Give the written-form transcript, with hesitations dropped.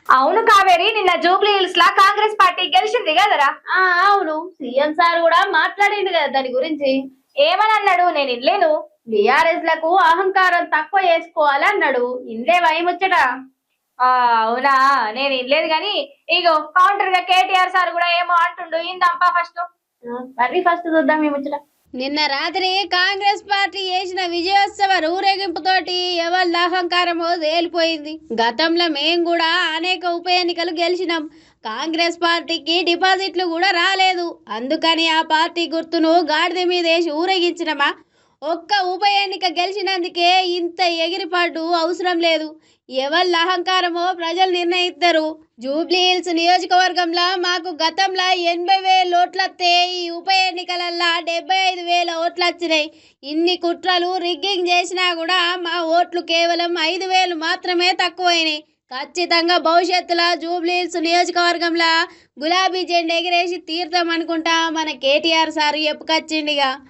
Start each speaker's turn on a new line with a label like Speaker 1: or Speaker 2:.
Speaker 1: అవును కావేరి, నిన్న జూబ్లీ హిల్స్ లా కాంగ్రెస్ పార్టీ గెలిచింది కదరా.
Speaker 2: అవును, సీఎం సార్ కూడా మాట్లాడిండు కదా దాని గురించి.
Speaker 1: ఏమని అన్నాడు? నేను ఇల్లేను.
Speaker 2: బిఆర్ఎస్ లకు అహంకారం తక్కువ చేసుకోవాలి అన్నాడు. ఇందే ముచ్చట.
Speaker 1: అవునా, నేను ఇల్లేదు గాని ఇగో కౌంటర్ గా కేటీఆర్ సార్ కూడా ఏమో అంటుండు. ఇందంపా ఫస్ట్.
Speaker 2: మరి ఫస్ట్ చూద్దాం ఈ ముచ్చట.
Speaker 3: నిన్న రాత్రి కాంగ్రెస్ పార్టీ చేసిన విజయోత్సవ ఊరేగింపుతోటి ఎవరి అహంకారమో తేలిపోయింది. గతంలో మేం కూడా అనేక ఉప ఎన్నికలు గెలిచినాం. కాంగ్రెస్ పార్టీకి డిపాజిట్లు కూడా రాలేదు. అందుకని ఆ పార్టీ గుర్తును గాడిద మీద వేసి ఊరేగించినమా. ఒక్క ఉప ఎన్నిక గెలిచినందుకే ఇంత ఎగిరిపాటు అవసరం లేదు. ఎవరి అహంకారమో ప్రజలు నిర్ణయిస్తారు. జూబ్లీ హిల్స్ నియోజకవర్గంలో మాకు గతంలో 80,000 ఓట్లస్తే ఈ ఉప ఎన్నికలల్లో 75,000 ఓట్లు వచ్చినాయి. ఇన్ని కుట్రలు రిగ్గింగ్ చేసినా కూడా మా ఓట్లు కేవలం 5,000 మాత్రమే తక్కువైనాయి. ఖచ్చితంగా భవిష్యత్తులో జూబ్లీ హిల్స్ నియోజకవర్గంలో గులాబీ జెండా ఎగిరేసి తీర్థం అనుకుంటా మన కేటీఆర్ సార్ చెప్పుకొచ్చిండిగా.